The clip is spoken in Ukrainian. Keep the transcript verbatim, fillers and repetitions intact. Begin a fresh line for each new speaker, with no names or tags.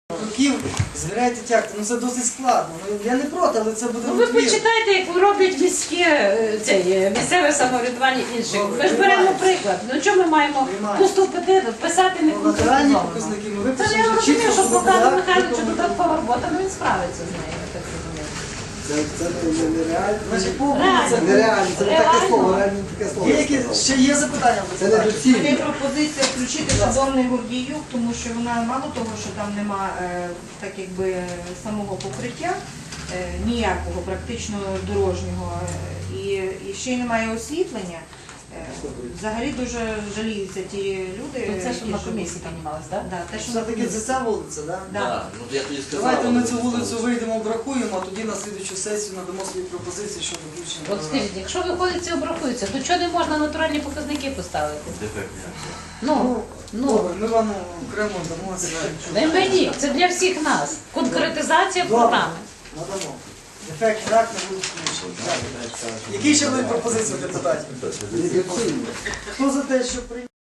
Років звіряйте тягти, ну це досить складно. Ну, я не проти, але це буде
Ну, ви
утвір.
почитайте, як роблять міське е, це, е, місцеве самоврядування інших.
Добре,
Ми ж беремо
приймається.
приклад. Ну чому ми маємо
Приймається.
пусту петину, писати не
Натуральні
конкретизовано?
показники, ну
Це
випишемо
я
вже
розумію,
чітко,
що
що
Богдану
так,
Михайловичу
потім-
додаткова робота, ну він справиться з нею, я так розумію.
Це, це не- нереально.
Значить, по
Реально.
вулицях.
Нереально, це не таке
Реально.
слово, реально не таке слово.
Є які ще є запитання?
Це не
У мене
доцільно.
пропозиція включити шаблонний Гордіюк, тому що вона мало того, що там нема е, так якби самого покриття, е, ніякого практично дорожнього, е, і, і ще й немає освітлення. Е, Взагалі дуже жаліються ті люди.
Ну, це, що
які
на
живуть
комісії
там.
піднімалось, так?
Да, те, що на
Все-таки це
комісії.
ця вулиця, так?
Да.
Так, ну я тоді сказав.
Давайте ми
але
цю
не
вулицю
сталося.
вийдемо, обрахуємо, а тоді на слідчу сесію надамо свої пропозиції щодо включення.
От скажіть, якщо виходить це обрахується, то чого не можна натуральні показники поставити?
Дефектні акції.
Ну,
Ну,
ну,
добре, ми вам окремо дамо це.
не мені, це для всіх нас. Конкретизація
Добре.
програми.
Надамо. Ефект рак не буде включений. Які ще були пропозиції депутатів?
Не доцільно.
Хто за те, що прийняти?